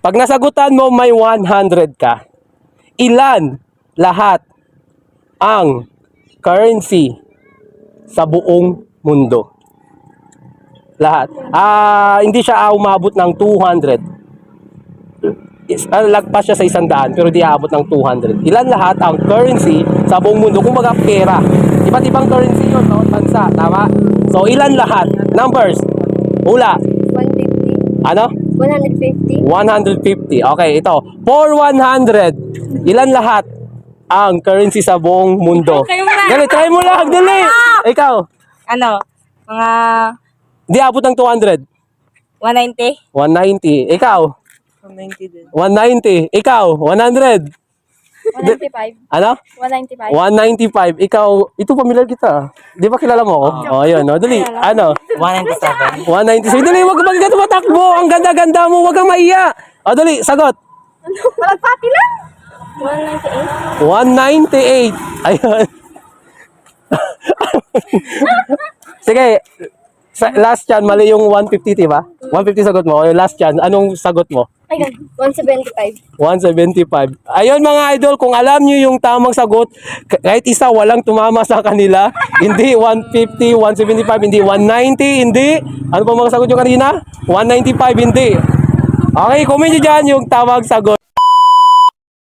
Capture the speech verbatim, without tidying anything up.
Pag nasagutan mo may one hundred ka, ilan lahat ang currency sa buong mundo? Lahat. Ah, hindi siya ah, umabot ng two hundred. Is, ah, lagpas siya sa isang daan pero di aabot ng two hundred. Ilan lahat ang currency sa buong mundo? Kung baga pera. Iba't ibang currency yun, bawat bansa. Tama? So, ilan lahat? Numbers. Hula. one fifty. Ano? one hundred fifty. one hundred fifty. Okay, ito. For one hundred, ilan lahat ang currency sa buong mundo? Kayo muna. Dali, try mo lang. Dali. Ikaw. Ano? Mga Di abot ng two hundred. one ninety? one ninety. Ikaw. one ninety din. one ninety. Ikaw. one hundred. one ninety-five. Ano? one ninety-five. one ninety-five. Ikaw. Ito, familiar kita. Di ba kilala mo ako? Oh, yun. Oh. Dali. Ano? one ninety-seven. one ninety-seven. Dali, wag kang ganito matakbo. Ang ganda-ganda mo. Wag kang maiya. O, dali. Sagot. Malagpati lang. one ninety-eight. one ninety-eight. Ayun. Sige. Sa, last chance, mali yung one fifty, diba? one fifty sagot mo. O, yung last chance, anong sagot mo? Ay, one seventy-five. one seventy-five. Ayun mga idol, kung alam nyo yung tamang sagot, kahit isa walang tumama sa kanila, hindi one fifty, one seventy-five, hindi one ninety, hindi. Ano pa mga sagot nyo kanina? one ninety-five, hindi. Okay, comment nyo dyan yung tamang sagot.